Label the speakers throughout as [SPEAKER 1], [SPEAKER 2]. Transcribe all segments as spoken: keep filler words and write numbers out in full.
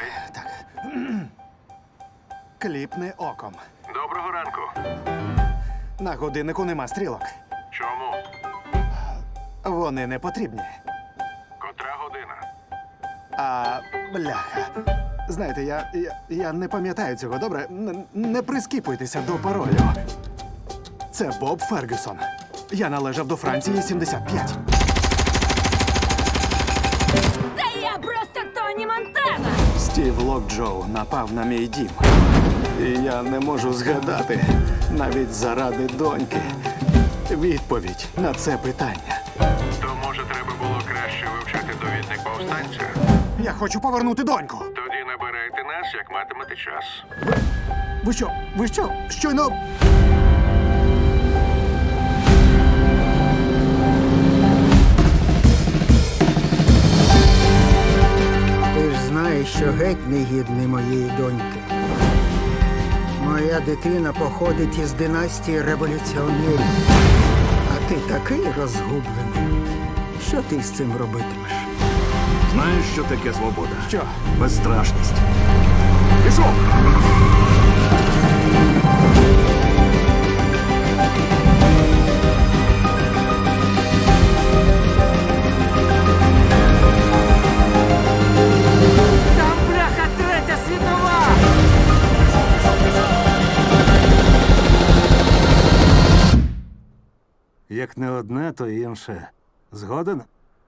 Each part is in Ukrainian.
[SPEAKER 1] Так. Кліпни оком.
[SPEAKER 2] Доброго ранку.
[SPEAKER 1] На годиннику нема стрілок.
[SPEAKER 2] Чому?
[SPEAKER 1] Вони не потрібні.
[SPEAKER 2] Котра година?
[SPEAKER 1] А, бляха. Знаєте, я, я, я не пам'ятаю цього, добре? Н- не прискіпуйтеся до паролю. Це Боб Фергюсон. Я належав до Франції сімдесят п'ять.
[SPEAKER 3] Та я просто Тоні Монтана!
[SPEAKER 1] Стів Локджоу напав на мій дім. І я не можу згадати, навіть заради доньки, відповідь на це питання.
[SPEAKER 2] То, може, треба було краще вивчати довідник повстанця?
[SPEAKER 1] Я хочу повернути доньку.
[SPEAKER 2] Тоді набирайте нас, як матимете час.
[SPEAKER 1] Ви що? Ви що? Щойно...
[SPEAKER 4] Ти ж знаєш, що геть не гідний моєї доньки. Моя дитина походить із династії революціонерів. А ти такий розгублений. Що ти з цим робитимеш?
[SPEAKER 5] Знаєш, що таке свобода?
[SPEAKER 1] Що?
[SPEAKER 5] Безстрашність. Пішов!
[SPEAKER 6] Там бляха третя світова!
[SPEAKER 5] Як не одне, то інше. Згоден?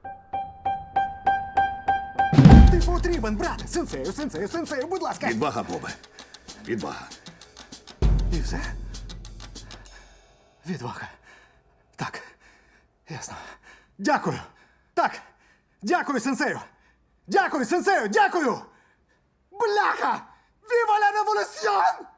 [SPEAKER 1] Ти потрібен, брате! Сенсею, сенсею, сенсею, будь ласка!
[SPEAKER 5] Відвага, Бобе. Відвага.
[SPEAKER 1] І все? Відвага. Так. Ясно. Дякую. Так. Дякую, сенсею. Дякую, сенсею, дякую! Бляха! Віва ла революціон!